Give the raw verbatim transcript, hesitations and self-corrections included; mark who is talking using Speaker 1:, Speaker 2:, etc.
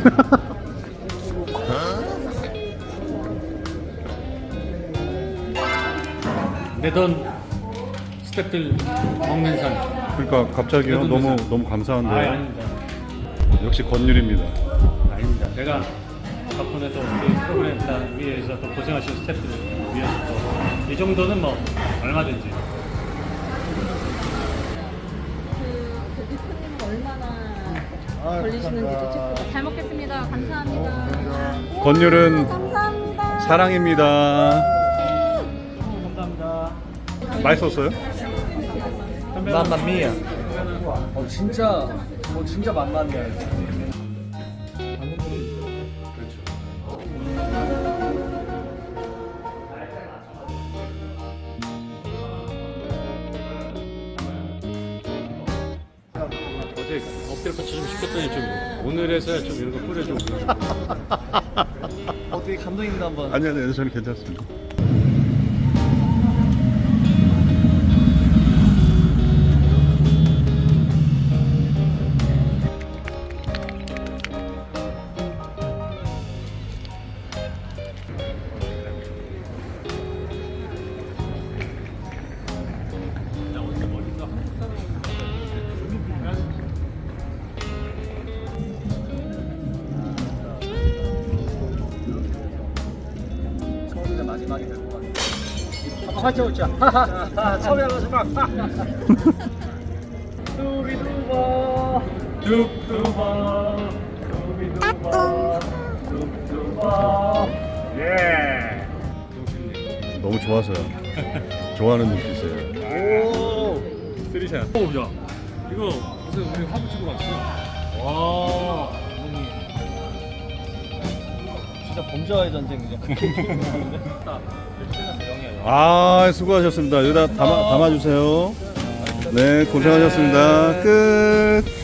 Speaker 1: 내 돈 스태프들 먹는 산.
Speaker 2: 그러니까 갑자기요.
Speaker 1: 그래도
Speaker 2: 너무
Speaker 1: 무슨-
Speaker 2: 너무 감사한데.
Speaker 1: 아, 아닙니다.
Speaker 2: 역시 권율입니다.
Speaker 1: 아닙니다. 제가 덕분에 또 우리 프로그램 단 위해서 또 고생하신 스태프들 위해서 또 이 정도는 뭐 얼마든지.
Speaker 3: 그 대표님 얼마나 걸리시는지도 체크. 잘 먹겠습니다. 감사합니다.
Speaker 2: 권율은
Speaker 3: 우와, 감사합니다.
Speaker 2: 사랑입니다.
Speaker 1: 감사합니다.
Speaker 2: 맛있었어요?
Speaker 4: 맘마미야. 어 진짜 어 진짜 맘마미야.
Speaker 1: 어제 엎드려 뻗쳐 좀 시켰더니 좀 오늘에서야 좀 이런 거 뿌려주고.
Speaker 4: 어떻게 감독님도 한번.
Speaker 2: 아니 아니 저는 괜찮습니다.
Speaker 4: 처음이자 마지막이 될 것 같아. 한번 화이팅 웃자. 하하. 처음이자 마지막. 두비두바. 뚝두바. 두비두바. 뚝두바.
Speaker 1: 예.
Speaker 2: 너무 좋아서요. 좋아하는 눈빛이에요.
Speaker 4: 오.
Speaker 1: 쓰리샷. 오, 야. 이거 무슨 우리 화보 찍으러 왔어. 와.
Speaker 4: 감독님. 진짜 범죄와의 전쟁이죠.
Speaker 2: 아 수고하셨습니다. 여기다 담아 담아주세요. 네 고생하셨습니다. 끝.